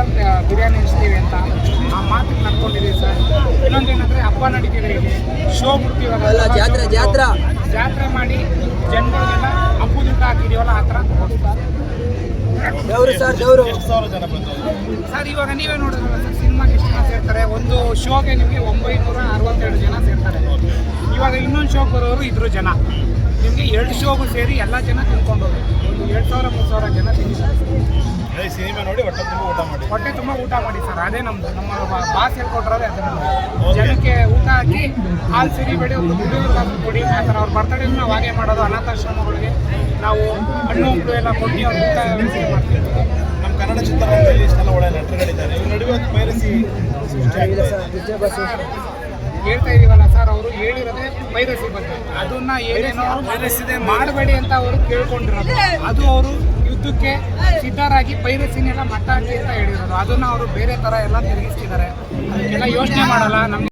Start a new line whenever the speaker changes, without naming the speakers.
Mutton biryani ಇಸ್ತೀವಿ ಅಂತ ಆ ಮಾತಿಗೆ ನಡ್ಕೊಂಡಿದ್ದೀವಿ ಸರ್. ಇನ್ನೊಂದೇನಂದರೆ ಹಬ್ಬ ನಡೀತಿದೆ, ಇಲ್ಲಿ ಶೋ ಬಿಡ್ತೀವಲ್ಲ, ಜಾತ್ರೆ ಮಾಡಿ ಜನಗಳಿಗೆಲ್ಲ ಹಬ್ಬದ ಊಟ ಹಾಕಿದೀವಲ್ಲ, ಆ ಥರ ಸರ್. ಇವಾಗ ನೀವೇ ನೋಡಿದ್ರಲ್ಲ ಸರ್, ಸಿನಿಮಾಗೆ ಎಷ್ಟು ಜನ ಸೇರ್ತಾರೆ, ಒಂದು ಶೋಗೆ ನಿಮಗೆ 962 ಜನ ಸೇರ್ತಾರೆ. ಇವಾಗ ಇನ್ನೊಂದು ಶೋಗೆ ಬರೋರು ಇದ್ರು ಜನ, ನಿಮಗೆ 2 ಶೋಗೂ ಸೇರಿ ಎಲ್ಲ ಜನ ತಿನ್ಕೊಂಡೋರು ಒಂದು 2000-3000 ಜನ ತಿಂದಿದ್ದಾರೆ.
ಸಿನಿಮಾ ನೋಡಿ
ಹೊಟ್ಟೆ ತುಂಬ ಊಟ ಮಾಡಿ ಸರ್. ಅದೇ ನಮ್ಮ ಬಾಸ್ ಹೇಳ್ಕೊಟ್ರೆ ಅದೇ ನಮ್ಮದು. ಜನಕ್ಕೆ ಊಟ ಹಾಕಿ ಹಾಲು ಸಿರಿಬೇಡಿ, ಒಂದು ಹುಡುಗರು ಕೊಡಿ, ಆ ಥರ ಅವ್ರ ಬರ್ತಡೇ ನಾವು ಹಾಗೆ ಮಾಡೋದು. ಅನಾಥಾಶ್ರಮಗಳಿಗೆ ನಾವು ಹಣ್ಣು ಹಂಪಲು ಎಲ್ಲ ಕೊಟ್ಟು ಅವ್ರ ಊಟ ವ್ಯವಸ್ಥೆ ಮಾಡ್ತೀವಿ.
ನಮ್ಮ ಕನ್ನಡ ಚಿತ್ರರಂಗದಲ್ಲಿ ಇಷ್ಟೆಲ್ಲ ಒಳ್ಳೆ ನಟರುಗಳಿದ್ದಾರೆ, ಇವ್ರ ನಡುವೆ ಪೈರಸಿ
ಹೇಳ್ತಾ ಇದೀವಲ್ಲ ಸರ್, ಅವರು ಹೇಳಿರೋದೇ ಪೈರಸಿ ಬಗ್ಗೆ. ಅದನ್ನ ಏನೇನೋ ಪೈರಸಿದೆ ಮಾಡಬೇಡಿ ಅಂತ ಅವರು ಕೇಳ್ಕೊಂಡಿರೋದು. ಅದು ಅವರು ಯುದ್ಧಕ್ಕೆ ಸಿದ್ಧರಾಗಿ ಪೈರಸಿನೆಲ್ಲ ಮಟ್ಟ ಹಾಕಿ ಅಂತ ಹೇಳಿರೋದು. ಅದನ್ನು ಅವರು ಬೇರೆ ಥರ ಎಲ್ಲ ತಿರುಗಿಸ್ತಿದ್ದಾರೆ. ಅದಕ್ಕೆಲ್ಲ ಯೋಚನೆ ಮಾಡಲ್ಲ. ನಮಗೆ